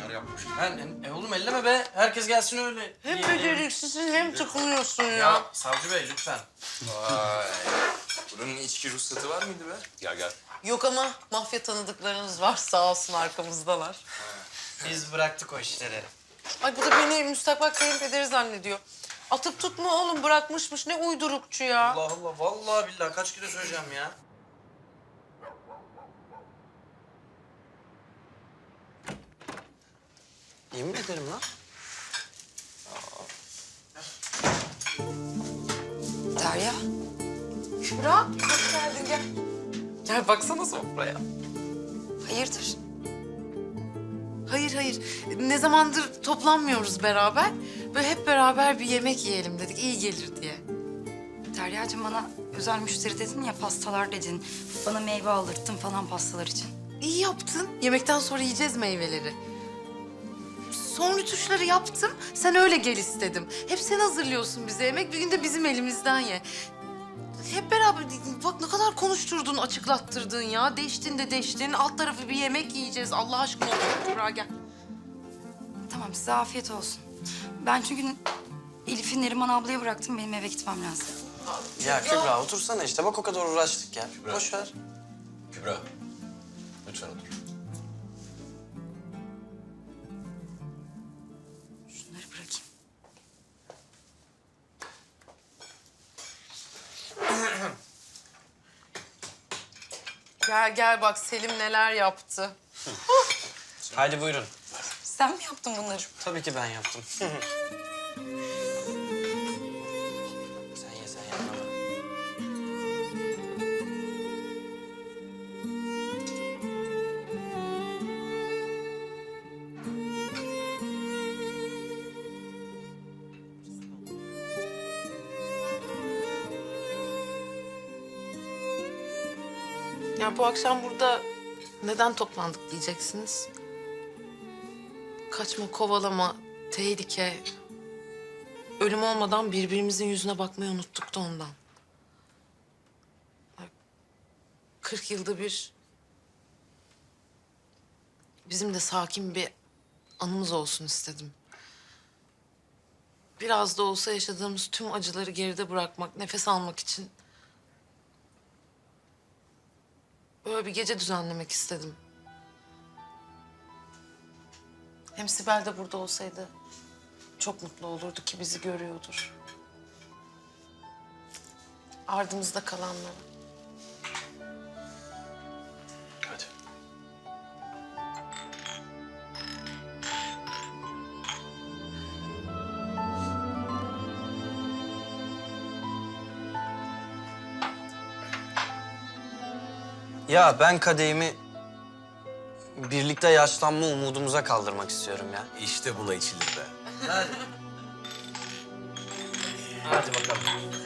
neler yapmış. Oğlum elleme be. Herkes gelsin öyle. Hem beceriksizsin hem tıkınıyorsun ya. Ya savcı bey lütfen. Vay. Buranın içki ruhsatı var mıydı be? Gel gel. Yok ama mafya tanıdıklarınız var, sağ olsun arkamızdalar. Biz bıraktık o işleri. Ay bu da beni müstakbel kayınpederi zannediyor. Atıp tutma oğlum, bırakmışmış, ne uydurukçu ya. Allah Allah. Vallahi billahi kaç kere söyleyeceğim ya. Yemin ederim lan. Derya. Şura, hoş geldin, gel. Gel baksana sofraya. Hayırdır? Hayır. Ne zamandır toplanmıyoruz beraber. Böyle hep beraber bir yemek yiyelim dedik, iyi gelir diye. Derya'cığım bana özel müşteri dedin ya, pastalar dedin. Bana meyve aldırttın falan pastalar için. İyi yaptın. Yemekten sonra yiyeceğiz meyveleri. Son rütuşları yaptım. Sen öyle gel istedim. Hep sen hazırlıyorsun bize yemek. Bir gün de bizim elimizden ye. Hep beraber bak ne kadar konuşturdun, açıklattırdın ya. Deştin. Alt tarafı bir yemek yiyeceğiz. Allah aşkına otur Kübra gel. Tamam, size afiyet olsun. Ben çünkü Elif'i Neriman ablaya bıraktım. Benim eve gitmem lazım. Ya Kübra otursana işte. Bak o kadar uğraştık ya. Kübra. Boş ver. Kübra. Lütfen otur. Şunları bırakayım. Gel bak Selim neler yaptı. Haydi buyurun. Sen mi yaptın bunları? Tabii ki ben yaptım. sen ye. Ya bu akşam burada neden toplandık diyeceksiniz. Kaçma, kovalama, tehlike. Ölüm olmadan birbirimizin yüzüne bakmayı unuttuk da ondan. 40 yılda bir bizim de sakin bir anımız olsun istedim. Biraz da olsa yaşadığımız tüm acıları geride bırakmak, nefes almak için böyle bir gece düzenlemek istedim. Hem Sibel de burada olsaydı çok mutlu olurdu ki bizi görüyordur. Ardımızda kalanlara. Hadi. Ya ben kadehimi birlikte yaşlanma umudumuza kaldırmak istiyorum ya. İşte buna içilir be. Hadi bakalım.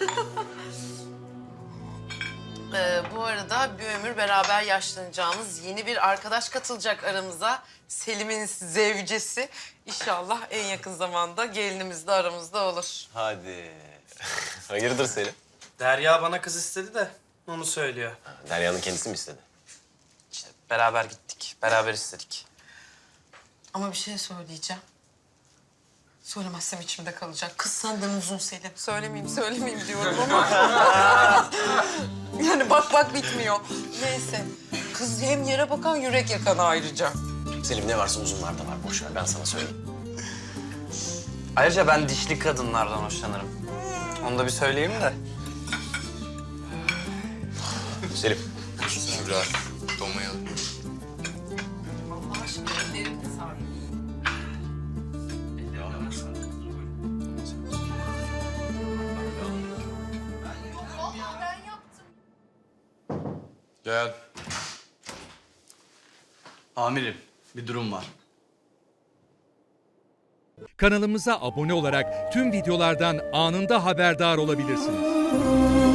Bu arada bir ömür beraber yaşlanacağımız yeni bir arkadaş katılacak aramıza. Selim'in zevcesi. İnşallah en yakın zamanda gelinimiz de aramızda olur. Hadi. Hayırdır Selim? Derya bana kız istedi de onu söylüyor. Derya'nın kendisi mi istedi? İşte beraber gittik, beraber istedik. Ama bir şey söyleyeceğim. Söylemezsem içimde kalacak. Kız senden uzun Selim. Söylemeyeyim diyorum ama. Yani bak bitmiyor. Neyse. Kız hem yere bakan yürek yakan ayrıca. Selim ne varsa uzunlarda var. Boş ver ben sana söyleyeyim. Ayrıca ben dişli kadınlardan hoşlanırım. Onu da bir söyleyeyim de. Selim. Kübra, donmayalım. Allah aşkına ellerini sar. Gel. Amirim, bir durum var. Kanalımıza abone olarak tüm videolardan anında haberdar olabilirsiniz.